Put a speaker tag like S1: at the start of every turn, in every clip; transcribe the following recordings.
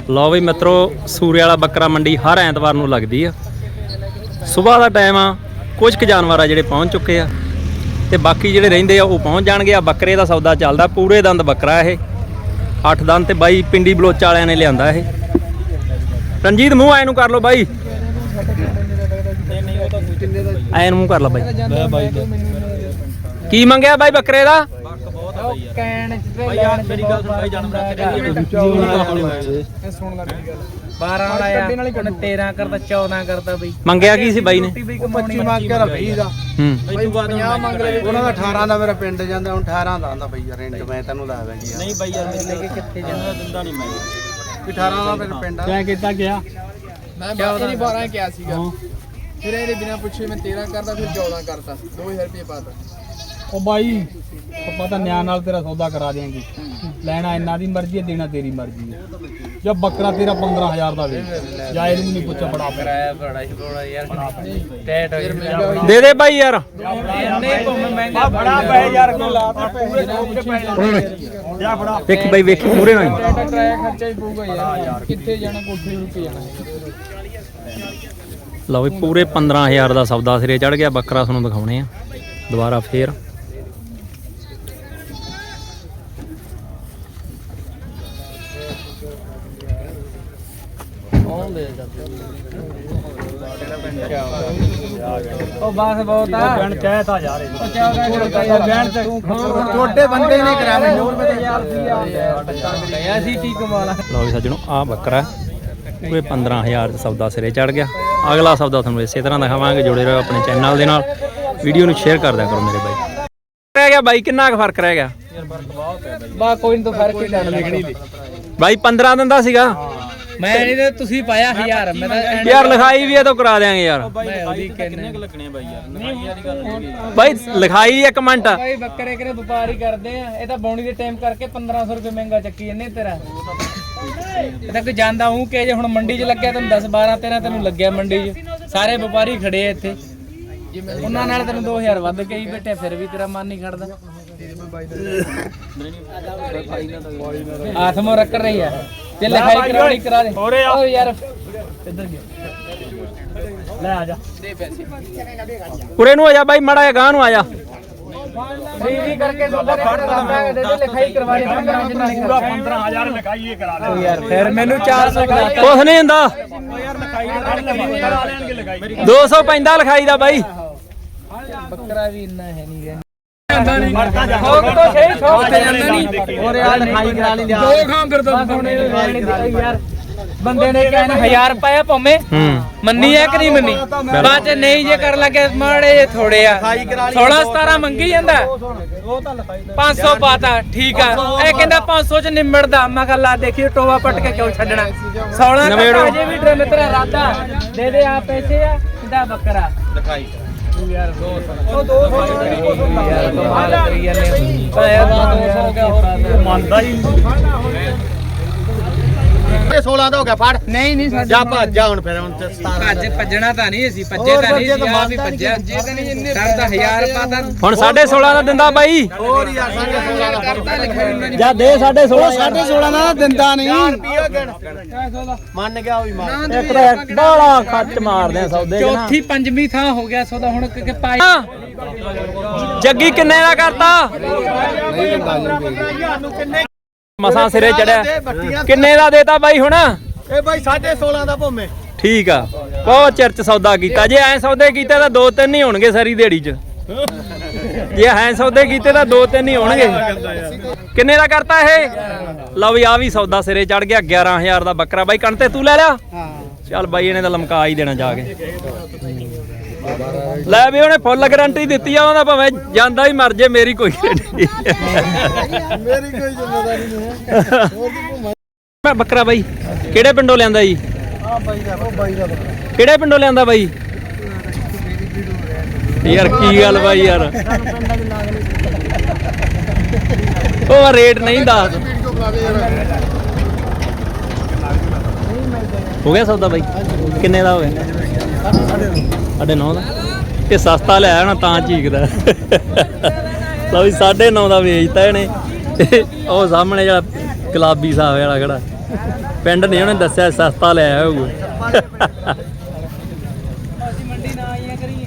S1: ਲਓ ਬਈ ਮਿੱਤਰੋ, ਸੂਰੇ ਵਾਲਾ ਬੱਕਰਾ ਮੰਡੀ ਹਰ ਐਤਵਾਰ ਨੂੰ ਲੱਗਦੀ ਆ। ਸਵੇਰ ਦਾ ਟਾਈਮ ਆ, ਕੁਝ ਕੁ ਜਾਨਵਰ ਆ ਜਿਹੜੇ ਪਹੁੰਚ ਚੁੱਕੇ ਆ ਤੇ ਬਾਕੀ ਜਿਹੜੇ ਰਹਿੰਦੇ ਆ ਉਹ ਪਹੁੰਚ ਜਾਣਗੇ। ਆ ਬੱਕਰੇ ਦਾ ਸੌਦਾ ਚੱਲਦਾ, ਪੂਰੇ ਦੰਦ ਬੱਕਰਾ ਇਹ 8 ਦੰਦ ਤੇ ਬਾਈ ਪਿੰਡੀ ਬਲੋਚਾ ਵਾਲਿਆਂ ਨੇ ਲਿਆਂਦਾ ਇਹ। ਰਣਜੀਤ ਮੂੰਹ ਐ ਨੂੰ ਕਰ ਲਓ ਬਾਈ, ਐ ਨੂੰ ਮੂੰਹ ਕਰ ਲਾ ਬਾਈ। ਕੀ ਮੰਗਿਆ ਬਾਈ ਬੱਕਰੇ ਦਾ? ਮੰਗਿਆ ਕੀ ਸੀ ਬਾਈ ਨੇ?
S2: 25 ਮੰਗ ਕੇ 20 ਦਾ। ਉਹਨਾਂ ਦਾ 18 ਦਾ ਮੇਰਾ ਪਿੰਡ ਜਾਂਦਾ, ਹੁਣ 18 ਦਾ ਆਂਦਾ ਬਈ ਰੈਂਟ ਮੈਂ ਤੈਨੂੰ ਲਾ ਦਾਂਗੀ। ਨਹੀਂ ਬਈ ਯਾਰ ਮੇਰੇ ਲੈ ਕੇ ਕਿੱਥੇ ਜਾਂਦਾ, ਦਿੰਦਾ ਨਹੀਂ ਮੈਂ। 18 ਦਾ ਮੇਰਾ ਪਿੰਡ ਆ।
S3: ਕਿਆ ਕੀਤਾ ਗਿਆ?
S2: ਮੈਂ 12 ਕਿਹਾ ਸੀਗਾ, ਫਿਰ ਇਹਦੇ ਬਿਨਾ ਪੁੱਛੇ ਮੈਂ 13 ਕਰਦਾ, ਫਿਰ 14 ਕਰਤਾ, 2000 ਰੁਪਏ ਪਾਤਾ।
S3: ਉਹ ਬਾਈ ਪਤਾ ਨਿਆਂ ਨਾਲ ਤੇਰਾ ਸੌਦਾ ਕਰਾ ਦੇਾਂਗੇ। ਲੈਣਾ ਇਹਨਾਂ ਦੀ ਮਰਜ਼ੀ ਹੈ, ਦੇਣਾ ਤੇਰੀ ਮਰਜ਼ੀ ਹੈ। ਜਦ ਬੱਕਰਾ ਤੇਰਾ 15000 ਦਾ ਵੇ ਜਾਂ ਇਹਨੂੰ ਨਹੀਂ ਪੁੱਛਿਆ ਬੜਾ ਕਰਾਇਆ ਬੜਾ ਯਾਰ ਟੈਟ
S1: ਦੇ ਦੇ ਬਾਈ ਯਾਰ।
S3: ਬੜਾ ਪੈ ਯਾਰ ਕੋ ਲਾਤਾ
S1: ਵੇਖੀ ਬਾਈ ਵੇਖੀ ਪੂਰੇ ਨਾਲ
S2: ਕਰਾਇਆ ਖਰਚਾ ਹੀ ਪਊਗਾ ਯਾਰ, ਕਿੱਥੇ ਜਾਣਾ, ਕੋਠੇ ਰੁਕ ਜਾਣਾ।
S1: ਲਓ ਵੀ ਪੂਰੇ 15000 ਦਾ ਸੌਦਾ ਸਿਰੇ ਚੜ ਗਿਆ। ਬੱਕਰਾ ਤੁਹਾਨੂੰ ਦਿਖਾਉਣੇ ਆ ਦੁਬਾਰਾ ਫੇਰ।
S3: ਉਹ ਬਸ ਬਹੁਤ ਆ ਬਣ ਕਹਿਤਾ ਯਾਰ ਇਹ
S2: ਛੋਟੇ ਬੰਦੇ ਨੇ ਕਰਾਇਆ ਮੈਨੂੰ
S3: ਗਿਆ ਸੀ ਕੀ ਕਮਾਲ।
S1: ਲਓ ਵੀ ਸੱਜਣੋ, ਆ ਬੱਕਰਾ ਪੂਰੇ 15000 ਦਾ ਸੌਦਾ ਸਿਰੇ ਚੜ ਗਿਆ। ਅਗਲਾ ਸੌਦਾ ਤੁਹਾਨੂੰ ਇਸੇ ਤਰ੍ਹਾਂ ਦਿਖਾਵਾਂਗੇ। ਜੁੜੇ ਰਹੋ ਆਪਣੇ ਚੈਨਲ ਦੇ ਨਾਲ, ਵੀਡੀਓ ਨੂੰ ਸ਼ੇਅਰ ਕਰ ਦਿਆ ਕਰੋ ਮੇਰੇ ਬਾਈ। ਰਹਿ ਗਿਆ ਬਾਈ, ਕਿੰਨਾ ਕੁ ਫਰਕ ਰਹਿ ਗਿਆ?
S3: ਬਾ ਕੋਈ ਨਹੀਂ, ਤਾਂ ਫਰਕ ਹੀ ਲੈਣ ਲੱਗਣੀ
S1: ਬਾਈ 15 ਦਿਨ ਦਾ ਸੀਗਾ।
S3: ਮੈਂ ਨਹੀਂ ਤੇ ਤੁਸੀਂ ਪਾਇਆ 1000 ਮੈਂ ਤਾਂ
S1: ਯਾਰ ਲਿਖਾਈ ਵੀ ਇਹ ਤੋਂ ਕਰਾ ਦਿਆਂਗੇ ਯਾਰ।
S3: ਕਿੰਨੇ ਕੁ ਲੱਗਣੇ ਬਾਈ ਯਾਰ?
S1: ਬਾਈ ਲਿਖਾਈ ਇੱਕ ਮਿੰਟ।
S3: ਬਾਈ ਬੱਕਰੇ ਕਿਹੜੇ ਵਪਾਰੀ ਕਰਦੇ ਆ, ਇਹ ਤਾਂ ਬੌਣੀ ਦੇ ਟਾਈਮ ਕਰਕੇ 1500 ਰੁਪਏ ਮਹਿੰਗਾ ਚੱਕੀ ਜੰਨੇ ਤੇਰਾ। ਇਹ ਤਾਂ ਕੋਈ ਜਾਂਦਾ ਹੂੰ ਕਿ ਜੇ ਹੁਣ ਮੰਡੀ 'ਚ ਲੱਗਿਆ ਤੈਨੂੰ 10 12 13 ਤੈਨੂੰ ਲੱਗਿਆ ਮੰਡੀ 'ਚ। ਸਾਰੇ ਵਪਾਰੀ ਖੜੇ ਆ ਇੱਥੇ, ਉਹਨਾਂ ਨਾਲ ਤੈਨੂੰ 2000 ਵੱਧ ਕਹੀ ਬੈਠੇ, ਫਿਰ ਵੀ ਤੇਰਾ ਮਨ ਨਹੀਂ ਖੜਦਾ। ਹੱਥ ਮੋ ਰੱਖ ਰਹੀ ਆ ਤੇ ਲਿਖਾਈ ਕਰਾਉਣੀ ਕਰਾ ਦੇ। ਓ ਯਾਰ ਕਿੱਧਰ ਗਿਆ? ਲੈ ਆ ਜਾ ਦੇ ਪੈਸੇ
S1: ਉਰੇ ਨੂੰ ਆ ਜਾ ਬਾਈ, ਮਾੜਾ ਜਿਹਾ ਗਾਂ ਨੂੰ ਆ ਜਾ।
S3: ਫ੍ਰੀ ਕਰਕੇ ਦੁੱਧ ਦੇ ਦੇ ਲਿਖਾਈ ਕਰਵਾ ਦੇ 15000 ਲਿਖਾਈ ਇਹ ਕਰਾ ਦੇ ਯਾਰ। ਫਿਰ ਮੈਨੂੰ 400
S1: ਕੁਛ ਨਹੀਂ ਹੁੰਦਾ
S3: ਯਾਰ ਲਿਖਾਈ ਕਰਾ ਲੈਣਗੇ ਲਿਖਾਈ
S1: 200 ਪੈਂਦਾ ਲਿਖਾਈ ਦਾ ਬਾਈ।
S3: ਬੱਕਰਾ ਵੀ ਇੰਨਾ ਹੈ ਨਹੀਂ ਗਾ। ਠੋਕ ਤੋਂ ਸਹੀ ਠੋਕ ਤੇ ਜਾਂਦਾ ਨਹੀਂ। ਹੋਰ ਯਾਰ ਲਿਖਾਈ ਕਰਾ ਲਈ ਦੋ ਖਾਂ ਕਰਦਾ ਯਾਰ। ਬੰਦੇ ਨੇ ਕਹਿਣਾ 1000 ਰੁਪਏ ਭਾਵੇਂ ਮੰਨੀ ਹੈ ਕਿ ਨਹੀਂ ਮੰਨੀ? ਬਾਅਦ ਚ ਨਹੀਂ ਜੇ ਕਰ ਲੱਗੇ ਮਾੜੇ ਜੇ ਥੋੜੇ ਆ 16 17 ਮੰਗੀ ਜਾਂਦਾ। 500 ਪਾਤਾ ਠੀਕ ਆ, ਇਹ ਕਹਿੰਦਾ 500 ਚ ਨਿਮੜਦਾ। ਮੈਂ ਕਿਹਾ ਲਾ ਦੇਖੀ ਟੋਵਾ ਪੱਟ ਕੇ ਕਿਉਂ ਛੱਡਣਾ। 16 ਅਜੇ ਵੀ ਡਰ ਤੇਰਾ ਰਾਦਾ ਦੇ ਦੇ ਆ ਪੈਸੇ ਆ ਕਿੰਦਾ ਬੱਕਰਾ ਲਿਖਾਈ ਯਾਰ 200 ਯਾਰ ਕਮਾਲ ਕਰੀ ਜਾਂਦੇ ਪਾਇਆ 200 ਹੋ ਗਿਆ। ਹੋਰ ਮੰਨਦਾ ਹੀ
S2: 16 ਦਾ ਹੋ ਗਿਆ, ਫੜ।
S3: ਨਹੀਂ
S2: ਜਾ ਭੱਜ ਜਾ ਹੁਣ, ਫਿਰ ਹੁਣ 17
S3: ਭੱਜਣਾ ਤਾਂ ਨਹੀਂ ਅਸੀਂ ਭੱਜੇ ਤਾਂ ਨਹੀਂ ਸੀ, ਆ ਵੀ ਭੱਜਿਆ ਸਰ ਤਾਂ 1000 ਪਾਤਾ
S1: ਹੁਣ 16.5 ਦਾ ਦਿੰਦਾ ਬਾਈ।
S2: ਹੋਰ ਯਾਰ 16.5 ਦਾ
S3: ਕਰਤਾ ਲਿਖਾਈ ਉਹਨਾਂ ਨੇ।
S1: ਜਾ ਦੇ 16.5
S2: 16.5 ਦਾ ਦਿੰਦਾ ਨਹੀਂ। ਮੰਨ ਗਿਆ ਉਹ ਵੀ ਮਾਰ
S1: ਇੱਕ ਤਾਂ ਬਾਲਾ ਖੱਚ ਮਾਰਦੇ ਆ ਸੌਦੇ ਚ ਨਾ।
S3: ਚੌਥੀ ਪੰਜਵੀਂ ਥਾਂ ਹੋ ਗਿਆ ਸੌਦਾ ਹੁਣ ਕਿ ਪਾਈ।
S1: ਜੱਗੀ ਕਿੰਨੇ ਦਾ ਕਰਤਾ? ਮਸਾਂ ਸਿਰੇ ਚੜਿਆ। ਕਿੰਨੇ ਦਾ ਦੇਤਾ ਬਾਈ ਹੁਣ?
S2: ਇਹ ਬਾਈ 16.5 ਦਾ ਭੋਮੇ।
S1: ਠੀਕ ਆ, ਬਹੁਤ ਚਿਰ ਚ ਸੌਦਾ ਕੀਤਾ। ਜੇ ਐ ਸੌਦੇ ਕੀਤੇ ਤਾਂ 2-3 ਹੀ ਹੋਣਗੇ ਸਾਰੀ ਦਿਹਾੜੀ ਚ। ਜੇ ਐ ਸੌਦੇ ਕੀਤੇ ਤਾਂ 2-3 ਹੀ ਹੋਣਗੇ। ਕਿੰਨੇ ਦਾ ਕਰਤਾ ਇਹ? ਲਓ ਵੀ ਆ ਵੀ ਸੌਦਾ ਸਿਰੇ ਚੜ ਗਿਆ। 11000 ਦਾ ਬੱਕਰਾ ਬਾਈ। ਕਣ ਤੇ ਤੂੰ ਲੈ ਲਿਆ? ਚੱਲ ਬਾਈ ਇਹਨੇ ਤਾਂ ਲਮਕਾ ਹੀ ਦੇਣਾ ਜਾ ਕੇ। ਲੈ ਵੀ ਉਹਨੇ ਫੁੱਲ ਗਾਰੰਟੀ ਦਿੱਤੀ ਆ, ਉਹਦਾ ਭਾਵੇਂ ਜਾਂਦਾ ਹੀ ਮਰ ਜੇ, ਮੇਰੀ ਕੋਈ ਗਾਰੰਟੀ
S2: ਮੇਰੀ ਕੋਈ ਜ਼ਿੰਮੇਵਾਰੀ ਨਹੀਂ ਹੈ।
S1: ਮੈਂ ਬੱਕਰਾ ਬਾਈ ਕਿਹੜੇ ਪਿੰਡੋਂ ਲਿਆਂਦਾ ਜੀ?
S2: ਆ ਬਾਈ ਦਾ, ਉਹ ਬਾਈ ਦਾ
S1: ਕਿਹੜੇ ਪਿੰਡੋਂ ਲਿਆਂਦਾ ਬਾਈ? ਯਾਰ ਕੀ ਗੱਲ ਬਾਈ ਯਾਰ, ਉਹ ਰੇਟ ਨਹੀਂ ਦੱਸ। ਹੋ ਗਿਆ ਸੌਦਾ ਬਾਈ? ਕਿੰਨੇ ਦਾ ਹੋ ਗਿਆ? 9.5 ਦਾ। ਇਹ ਸਸਤਾ ਲਿਆਇਆ ਹੋਣਾ ਤਾਂ ਚੀਕਦਾ। ਲਓ ਵੀ 9.5 ਦਾ ਵੇਚਤਾ ਇਹਨੇ। ਉਹ ਸਾਹਮਣੇ ਜਿਹੜਾ ਗੁਲਾਬੀ ਸਾਵੇ ਵਾਲਾ ਖੜਾ ਪਿੰਡ ਨਹੀਂ ਉਹਨੇ ਦੱਸਿਆ ਸਸਤਾ ਲੈ ਆਇਆ ਹੋਊ।
S3: ਅਸੀਂ ਮੰਡੀ ਨਾ ਆਈਆਂ ਕਰੀਏ।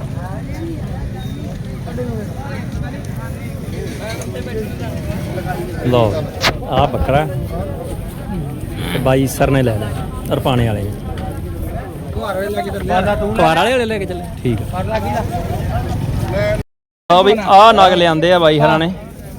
S1: ਲਓ ਆ ਬੱਕਰਾ ਤੇ ਬਾਈ ਸਰ ਨੇ ਲੈ ਲਿਆ ਰਪਾਣੇ ਵਾਲੇ ਨੇ। ਕੁਆਰ ਵਾਲੇ ਲੈ ਕੇ ਚੱਲੇ ਠੀਕ ਆ। ਆ ਬਈ ਆ ਨਗ ਲਿਆਂਦੇ ਆ ਬਾਈ ਹਰਾਂ ਨੇ।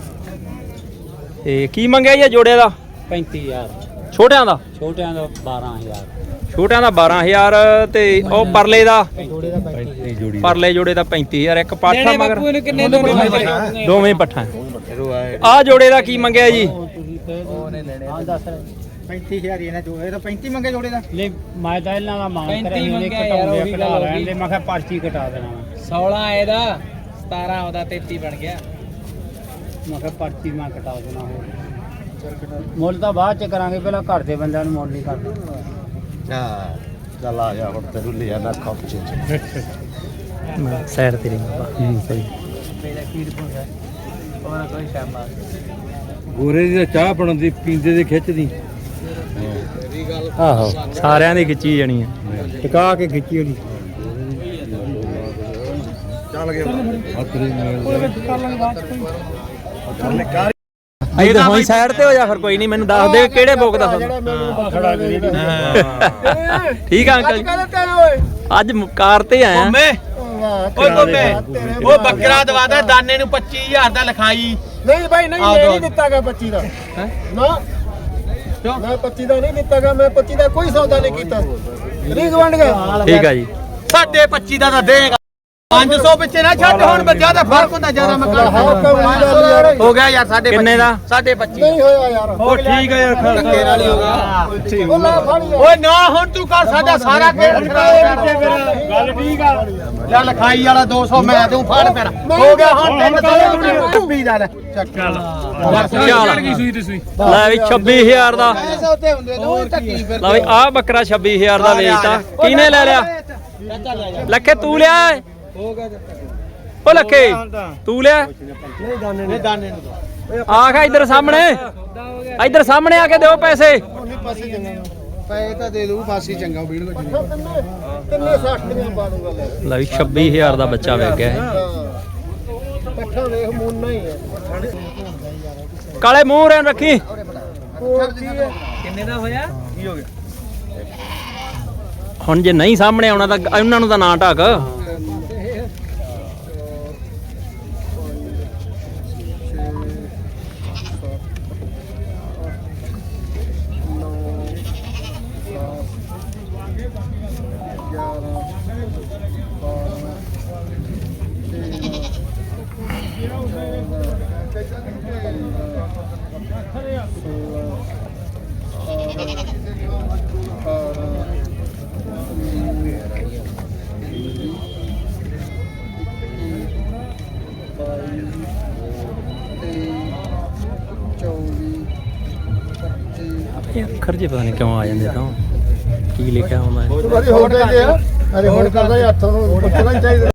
S1: ਤੇ ਕੀ ਮੰਗਿਆ ਜੀ ਜੋੜੇ ਦਾ?
S3: 35000
S1: ਛੋਟਿਆਂ ਦਾ?
S3: ਛੋਟਿਆਂ ਦਾ 12000
S1: ਛੋਟਿਆਂ ਦਾ 12000 ਤੇ ਉਹ ਪਰਲੇ ਦਾ? ਪਰਲੇ ਜੋੜੇ ਦਾ 35000। ਇੱਕ ਪਾਠਾ ਮਗਰ
S3: ਕਿੰਨੇ
S1: ਦੋਵੇਂ ਪੱਠਾ। ਆ ਜੋੜੇ ਦਾ ਕੀ ਮੰਗਿਆ ਜੀ?
S3: ਉਹਨੇ ਲੈਣੇ
S2: ਹਾਂ ਦੱਸ 35000 ਇਹਨਾਂ ਜੋੜੇ ਦਾ 35 ਮੰਗੇ ਜੋੜੇ ਦਾ।
S3: ਲੈ ਮੈਂ ਤਾਂ ਇਹਨਾਂ ਦਾ ਮੰਗ ਕਰਿਆ ਇਹਨੇ ਘਟਾਉਂਦੇ ਘਟਾ ਲੈਣ ਦੇ। ਮੈਂ ਕਿਹਾ ਪਰਚੀ ਘਟਾ ਦੇਣਾ 16 ਇਹਦਾ 17 ਉਹਦਾ 33 ਬਣ ਗਿਆ। ਮੈਂ ਕਿਹਾ ਪਰਚੀ ਮੈਂ ਘਟਾ ਦੇਣਾ ਹੋਰ ਮੁੱਲ ਤਾਂ ਬਾਅਦ ਚ ਕਰਾਂਗੇ ਪਹਿਲਾਂ ਘਰ ਦੇ ਬੰਦਿਆਂ ਨੂੰ ਮੁੱਲ ਨਹੀਂ ਕਰਦੇ।
S2: ਹਾਂ ਚੱਲ ਆ ਜਾ ਹੁਣ ਤੈਨੂੰ ਲਿਆ ਨਾ ਕੱਪ ਚ
S1: ਸੈਰ ਤੇਰੀ ਬਾਬਾ ਸਹੀ।
S3: ਮੇਰਾ ਖੀਰ ਪੁੰਦਾ ਉਹਨਾਂ ਕੋਈ ਸ਼ਾਬਾਸ਼।
S2: ਗੋਰੇ ਦੀ ਚਾਹ ਬਣਦੀ ਪੀਂਦੇ ਦੇ ਖਿੱਚਦੀ।
S1: ਆਹੋ ਸਾਰਿਆਂ ਦੀ ਖਿੱਚੀ ਜਾਣੀ ਆ।
S2: ਟਿਕਾ ਕੇ ਖਿੱਚੀ ਉਹਦੀ। ਚੱਲ ਗਿਆ
S1: ਇਧਰ ਹੋਈ ਸਾਈਡ ਤੇ ਹੋ ਜਾ ਫਿਰ ਕੋਈ ਨਹੀਂ। ਮੈਨੂੰ ਦੱਸ ਦੇ ਕਿਹੜੇ ਬੋਕ ਦਾ ਠੀਕ ਆ ਅੰਕਲ ਜੀ। ਅੱਜ ਕਾਰ ਤੇ ਆਇਆ।
S2: ਓਏ ਬੰਬੇ ਉਹ ਬੱਕਰਾ ਦਵਾਦਾ ਦਾਨੇ ਨੂੰ 25000 ਦਾ ਲਿਖਾਈ।
S4: ਨਹੀਂ ਭਾਈ ਨਹੀਂ ਇਹ ਨਹੀਂ ਦਿੱਤਾਗਾ 25 ਦਾ ਨਾ ਮੈਂ 25 ਦਾ ਨਹੀਂ ਦਿੱਤਾਗਾ। ਮੈਂ 25 ਦਾ ਕੋਈ ਸੌਦਾ ਨਹੀਂ ਕੀਤਾ। ਰੀਗ ਵੰਡ ਗਿਆ
S1: ਠੀਕ ਆ ਜੀ।
S2: 25.5 ਦਾ ਤਾਂ ਦੇਗਾ। 500 ਪਿੱਛੇ ਨਾ ਛੱਡ ਹੁਣ ਜਿਆਦਾ ਫਰਕ ਹੁੰਦਾ ਜਿਆਦਾ ਮੈਂ ਹੋ ਗਿਆ ਯਾਰ 25.5
S1: ਕਿੰਨੇ ਦਾ?
S2: 25.5
S4: ਨਹੀਂ ਹੋਇਆ ਯਾਰ।
S2: ਉਹ ਠੀਕ ਹੈ ਯਾਰ ਧੱਕੇ ਨਾਲ ਹੀ ਹੋਗਾ।
S4: ਉਹ ਲੈ ਫੜ ਯਾਰ।
S2: ਓਏ ਨਾ ਹੁਣ ਤੂੰ ਕਰ ਸਾਡਾ ਸਾਰਾ ਖੇਡ ਖਰਾਬ ਕਰ।
S4: ਗੱਲ ਠੀਕ ਆ।
S2: ਲੈ ਲਿਖਾਈ ਵਾਲਾ 200 ਮੈਂ ਤੂੰ ਫੜ ਫਿਰ ਹੋ ਗਿਆ ਹੁਣ 320 ਦਾ ਲੈ ਚੱਕ
S1: ਚੱਲ ਲੈ ਵੀ 26000 ਦਾ।
S2: ਉੱਤੇ ਹੁੰਦੇ ਤੂੰ ਟੱਕੀ ਫਿਰ
S1: ਲੈ ਵੀ ਆਹ ਬੱਕਰਾ 26000 ਦਾ ਵੇਚਤਾ। ਕਿਹਨੇ ਲੈ ਲਿਆ? ਲੱਖੇ ਤੂੰ ਲਿਆ? ਉਹ ਲੱਖੇ ਤੂੰ ਲਿਆ?
S2: ਨਹੀਂ ਦਾਨੇ ਨੂੰ
S1: ਆਖ ਇੱਧਰ ਸਾਹਮਣੇ। ਇੱਧਰ ਸਾਹਮਣੇ ਆ ਕੇ ਦਿਓ ਪੈਸੇ।
S2: ਪੈਸੇ ਤਾਂ ਦੇ ਦੂ ਫਾਸੀ ਚੰਗਾ ਵੀੜ
S4: ਤਿੰਨੇ 60 ਦੀਆਂ ਪਾ ਦੂੰਗਾ ਲੈ।
S1: ਲੈ ਵੀ 26000 ਦਾ ਬੱਚਾ ਵੇਚ ਗਿਆ ਹੈ।
S4: ਪੱਠਾ ਵੇਖ ਮੂਨਾ ਹੀ ਹੈ।
S1: ਕਾਲੇ ਮੂੰਹ ਰਹਿਣ ਰੱਖੀ।
S4: ਹੋਰ ਕੀ ਹੈ?
S3: ਕਿੰਨੇ ਦਾ ਹੋਇਆ?
S2: ਕੀ ਹੋ ਗਿਆ?
S1: ਹੁਣ ਜੇ ਨਹੀਂ ਸਾਹਮਣੇ ਆਉਣਾ ਤਾਂ ਉਹਨਾਂ ਨੂੰ ਤਾਂ ਨਾ ਢੱਕ। ਅੱਖਰ ਜੇ ਪਤਾ ਨਹੀਂ ਕਿਉਂ ਆ ਜਾਂਦੇ ਤਾਂ ਕੀ ਲਿਖਿਆ ਹੁੰਦਾ ਹੈ।
S4: ਤੂੰ ਕਦੀ ਹੋਰ ਦੇ ਗਿਆ। ਅਰੇ ਹੋਰ ਕਰਦਾ ਹੱਥ ਨੂੰ ਪੁੱਛਣਾ ਹੀ ਚਾਹੀਦਾ।